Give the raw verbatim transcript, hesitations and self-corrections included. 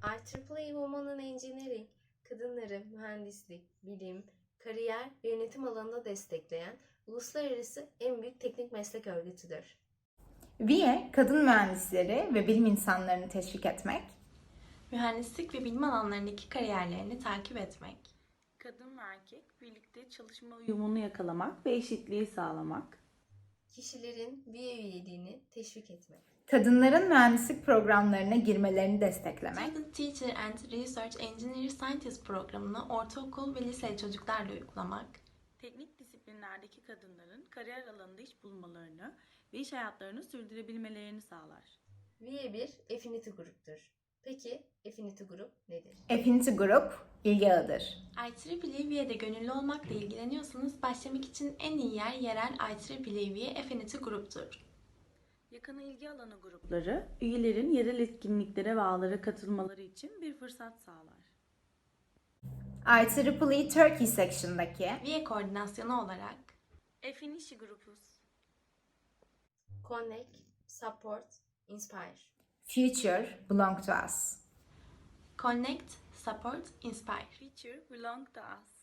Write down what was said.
I triple E Women in Engineering, kadınları mühendislik, bilim, kariyer ve yönetim alanında destekleyen uluslararası en büyük teknik meslek örgütüdür. V I E, kadın mühendisleri ve bilim insanlarını teşvik etmek, mühendislik ve bilim alanlarındaki kariyerlerini takip etmek, kadın ve erkek birlikte çalışma uyumunu yakalamak ve eşitliği sağlamak, Kişilerin V I E üyeliğini teşvik etmek, kadınların mühendislik programlarına girmelerini desteklemek, Student Teacher and Research Engineer Scientist programını ortaokul ve lise çocuklarla uygulamak, teknik disiplinlerdeki kadınların kariyer alanında iş bulmalarını ve iş hayatlarını sürdürebilmelerini sağlar. V I E bir Affinity gruptur. Peki Affinity grup nedir? Affinity Group, ilgi ağıdır. I triple E V I E'de gönüllü olmakla ilgileniyorsanız başlamak için en iyi yer yerel I triple E V I E Affinity gruptur. Yakın ilgi alanı grupları, üyelerin yerel etkinliklere ve ağlara katılmaları için bir fırsat sağlar. I triple E Turkey Section'daki V I E koordinasyonu olarak Affinity Grupuz. Connect, Support, Inspire. Future Belong to Us. Connect, Support, Inspire. Future belong to us.